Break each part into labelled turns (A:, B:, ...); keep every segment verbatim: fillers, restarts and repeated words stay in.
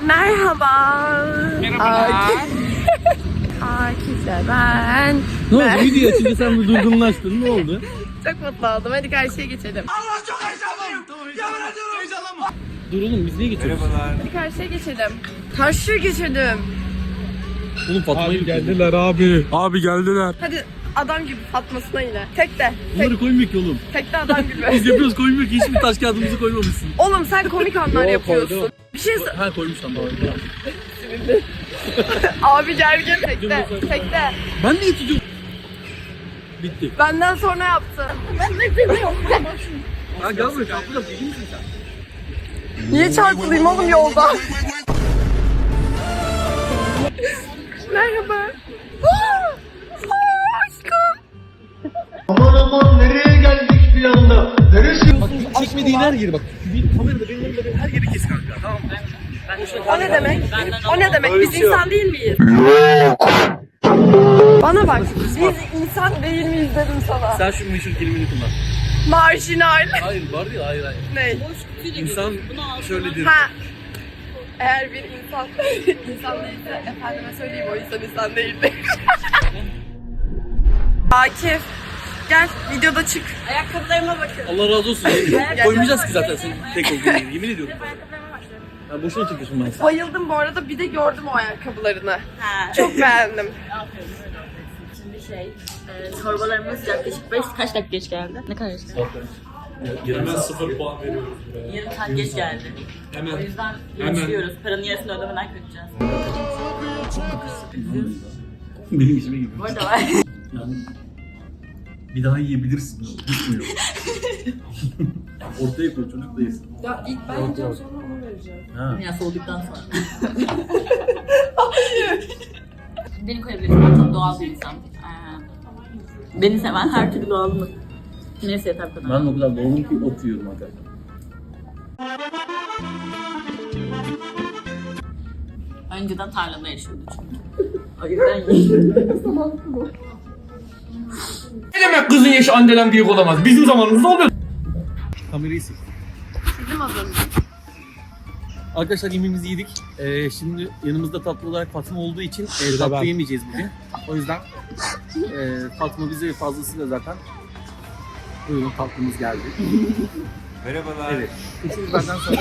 A: Merhaba.
B: Merhabalar.
A: Akif'le ben.
B: Ne oldu? Video açınca sen bir durgunlaştın. Ne oldu?
A: Çok mutlu oldum. Hadi karşıya geçelim.
C: Allah çok heyecanlıyım. Yemin ediyorum heyecanlanma.
B: Dur oğlum biz niye geçiyoruz?
A: Hadi karşıya geçelim. Karşıya geçelim.
B: Oğlum Fatma'yı
D: Abi geldiler abi. Abi geldiler.
A: Hadi adam gibi Fatma'sına yine. Tek de.
B: Bunları
A: Tek,
B: koymuyor ki oğlum.
A: tek de adam gibi.
B: Biz yapıyoruz koymuyor ki. Hiçbir taş kağıdımızı koymamışsın.
A: Oğlum sen komik anlar
B: Yo,
A: yapıyorsun.
B: koydum.
A: Bir şey sor-
B: Ha koymuşsan doğru.
A: Abi gergin. Tek de. Tek de.
B: Ben niye tutuyorum? Bitti.
A: Benden sonra yaptı. Ben ne demiyorum.
B: Ha gel buraya çarpıda deli misin sen?
A: Niye çarpılayım oğlum yolda? Merhaba. Aa, aşkım.
E: Aman aman nereye geldik bir anda? Neresi?
B: Bak çekmediğin her yeri bak. Bir kamerada benim elimde her yeri kes kanka tamam mı?
A: O ne demek? O ne demek? Biz insan değil miyiz? Bana bak. Biz insan değil miyiz dedim sana.
B: Sen şu meşhur kelimeni kullan.
A: Marjinal.
B: Hayır var ya hayır hayır.
A: Ne?
B: İnsan şöyledir.
A: Ha. Eğer bir insan insan değilse efendime söyleyeyim o insan insan değildir. Akif. Gel videoda çık. Ayakkabılarıma bakın.
B: Allah razı olsun. yemin. Koymayacağız ki zaten senin tek olduğunu. Yemin ediyorum. Ya boşuna çıkıyorsun ben sana.
A: Bayıldım bu arada, bir de gördüm o ayakkabılarını. Çok beğendim.
F: Şimdi şey, e, torbalarımız yaklaşık beş, kaç dakika geç geldi? Ne kadar geç geldi?
D: Hemen sıfır puan veriyoruz buraya.
F: Yarım saat geç geldi.
D: Hemen.
F: O yüzden
D: Hemen.
F: yaşıyoruz. Paranın yarısını ödemeden kaçacağız.
B: Benim işime gibi.
F: Bu arada var.
B: Yani bir daha yiyebilirsin. Gitmiyor. Ortaya koy çocuk da yesin.
A: Ya ilk ben yiyeceğim sonra onu vereceğim.
B: Ha.
F: Ya soğuduktan sonra. Hayır. Beni koyabilirsin. Ben çok doğal bir insan. Ee, Beni seven her türlü doğalımı. Neyse yeter kadar.
B: Ben de o kadar doğum ki ot yiyorum arkadaşlar.
F: Önceden tarlada yaşıyordu çünkü. O yüzden yiyorum.
D: Ne demek kızın yaşı anneden büyük olamaz? Bizim zamanımızda oluyor.
B: Kamerayı sil.
A: Bizim az önce.
B: Arkadaşlar yemeğimizi yedik. Ee, şimdi yanımızda tatlı olarak Fatma olduğu için e, tatlı
D: ben.
B: yemeyeceğiz bugün. O yüzden e, Fatma bize fazlasıyla zaten buyurun tatlımız geldi.
C: Merhabalar.
B: Evet. Üçümüz benden sonra.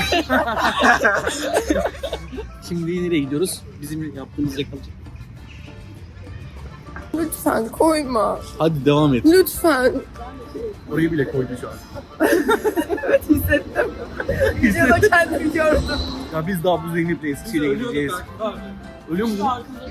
B: Şimdi nereye gidiyoruz? Bizim yaptığımız reklam.
A: Lütfen koyma.
B: Hadi devam et.
A: Lütfen.
B: Orayı bile koydu şu an.
A: Evet hissettim. Videoda kendimi gördüm.
B: Ya biz daha bu Zeynep'le Eskişehir'e gideceğiz. Ölüyor musun?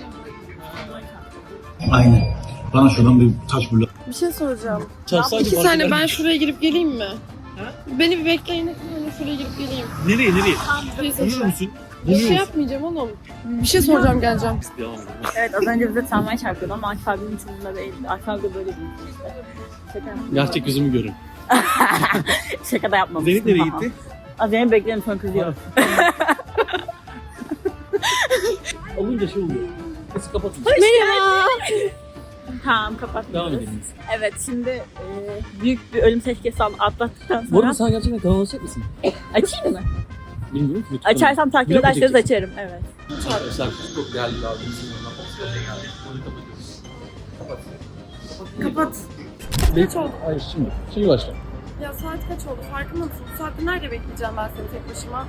E: Aynen. Bana şuradan bir taş bul.
A: Bir şey soracağım.
B: Çarpsaydı
A: İki
B: fark
A: saniye
B: eder.
A: ben şuraya girip geleyim mi? Beni bir bekleyin. Ben şuraya girip geleyim.
B: Nereye nereye?
A: Bir şey
B: Donuyor
A: soracağım.
B: musun?
A: Bir
B: Donuyor
A: şey
B: musun?
A: yapmayacağım oğlum. Bir şey soracağım, geleceğim.
B: Devam edelim.
F: Evet, az önce bize tramvay çarpıyordu ama Akif abinin içinde değildi. Akif abi de böyle değil. Şaka yapmadım.
B: Gerçek yüzümü görün.
F: Şaka da yapmamışsın.
B: Zeynep nereye gitti?
F: Az Zeynep bekleyelim sonra kızıyor.
B: Olunca şey oluyor. Nasıl kapatın?
A: Merhaba.
F: Tamam, kapat.
B: Devam edelim.
F: Evet, şimdi e, büyük bir ölüm tehlikesi atlattıktan
B: Bu arada
F: sonra
B: sen gerçekten kanal açacak mısın?
F: açayım mı?
B: Bilmiyorum ki.
F: Açarsam takip
B: Vlog mu
F: ederseniz
B: çekeceksin?
F: açarım. Evet.
B: Arkadaşlar çok değerli bir abimizin yanına hoş geldik. Onu kapatıyoruz. Kapat.
A: Kapat.
B: Kaç oldu? Hayır şimdi. Şimdi başla.
A: Ya saat kaç oldu? Farkında mısın? Bu saatte nerede bekleyeceğim ben seni tek başıma?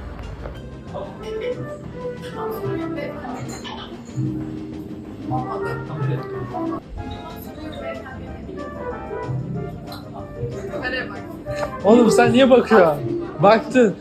A: Kameraya bak.
D: Oğlum sen niye bakıyorsun? Baktın.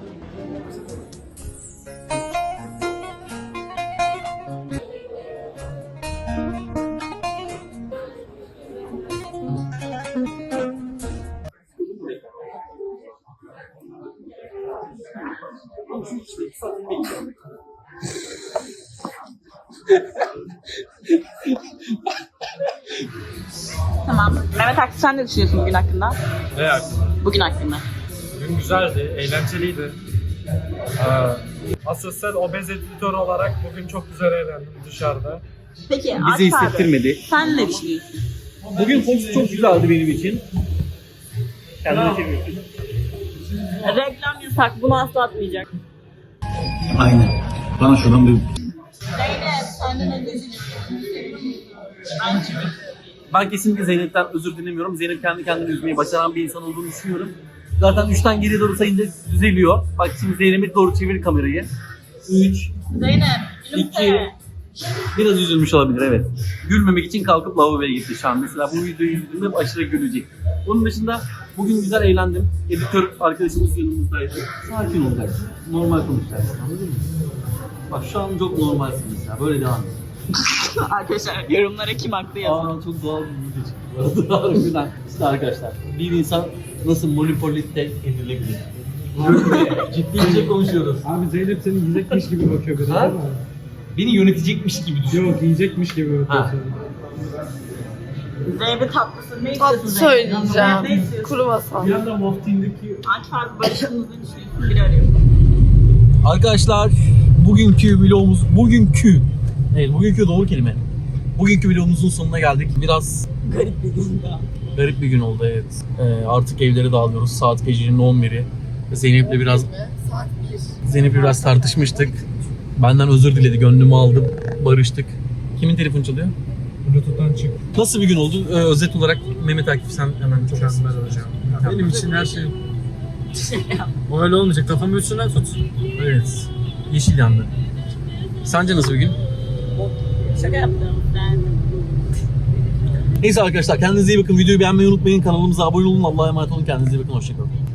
F: Tamam. Mehmet Akif, sen ne düşünüyorsun bugün hakkında?
D: Ne yani?
F: Bugün hakkında.
D: Bugün güzeldi, eğlenceliydi. Ee, Asosyal obez editör olarak bugün çok güzel eğlendim dışarıda.
F: Peki
B: Bize
F: Akif abi,
B: hissettirmedi.
F: sen ne düşünüyorsun?
B: Bugün Fox çok güzeldi benim için. Kendine çeviriyorsun.
F: Reklam yasak, bunu asla atmayacak.
E: Aynen. Bana şuradan bir
F: Zeynep senden önce
B: Ben kesinlikle Zeynep'ten özür dilemiyorum. Zeynep kendi kendini üzmeyi başaran bir insan olduğunu düşünüyorum. Zaten üçten geriye doğru sayınca düzeliyor. Bak şimdi Zeynep'e doğru çevir kamerayı. üç,
F: Zeynep
B: iki,
F: gülümse.
B: biraz üzülmüş olabilir evet. Gülmemek için kalkıp lavaboya gitti şu an. Mesela bu videoyu izlediğimde aşırı gülecek. Onun dışında bugün güzel eğlendim. Editör arkadaşımız yanımızdaydı. Sakin olacaksın. Normal konuşacaksın. Anladın mı? Bak şu an çok normalsin mesela. Böyle devam et.
F: Arkadaşlar yorumlara kim haklı yazın.
B: Aa çok doğal bir video çıktı bu arada. Harbiden. İşte arkadaşlar bir insan nasıl manipüle edilebilir? Ciddi bir şey konuşuyoruz.
D: Abi Zeynep seni yiyecekmiş gibi bakıyor biraz
B: Ha?
D: ama.
B: Beni yönetecekmiş gibi düşün.
D: Yok yiyecekmiş gibi bakıyor
B: Ha.
D: sana.
F: Zeynep tatlısı ne
A: Tatlı
F: istiyorsun Zeynep?
A: söyleyeceğim.
F: Ne istiyorsun?
A: Kuru masal.
D: Bir anda Moftin'deki
F: Aç farklı barışımızı düşünüyorsun. Biri arıyor.
B: Arkadaşlar bugünkü vlogumuz bugünkü evet bugünkü doğru kelime. Bugünkü vlogumuzun sonuna geldik. Biraz
F: Garip bir gün daha.
B: garip bir gün oldu evet. Ee, artık evlere dağılıyoruz. Saat gecenin on biri. Zeynep'le biraz
A: Saat bir.
B: Zeynep'le biraz tartışmıştık. Benden özür diledi. Gönlümü aldım. Barıştık. Kimin telefonu çalıyor?
D: Bluetooth'tan çık.
B: Nasıl bir gün oldu? Ee, özet olarak Mehmet Akif sen hemen çok az.
D: Mükemmel hocam. Benim için her şey öyle olmayacak. Kafamı üstüne tut.
B: Evet. Yeşil yandı. Sence nasıl bir gün?
F: Şaka yaptım. Ben...
B: Neyse arkadaşlar kendinize iyi bakın. Videoyu beğenmeyi unutmayın. Kanalımıza abone olun. Allah'a emanet olun. Kendinize iyi bakın. Hoşçakalın.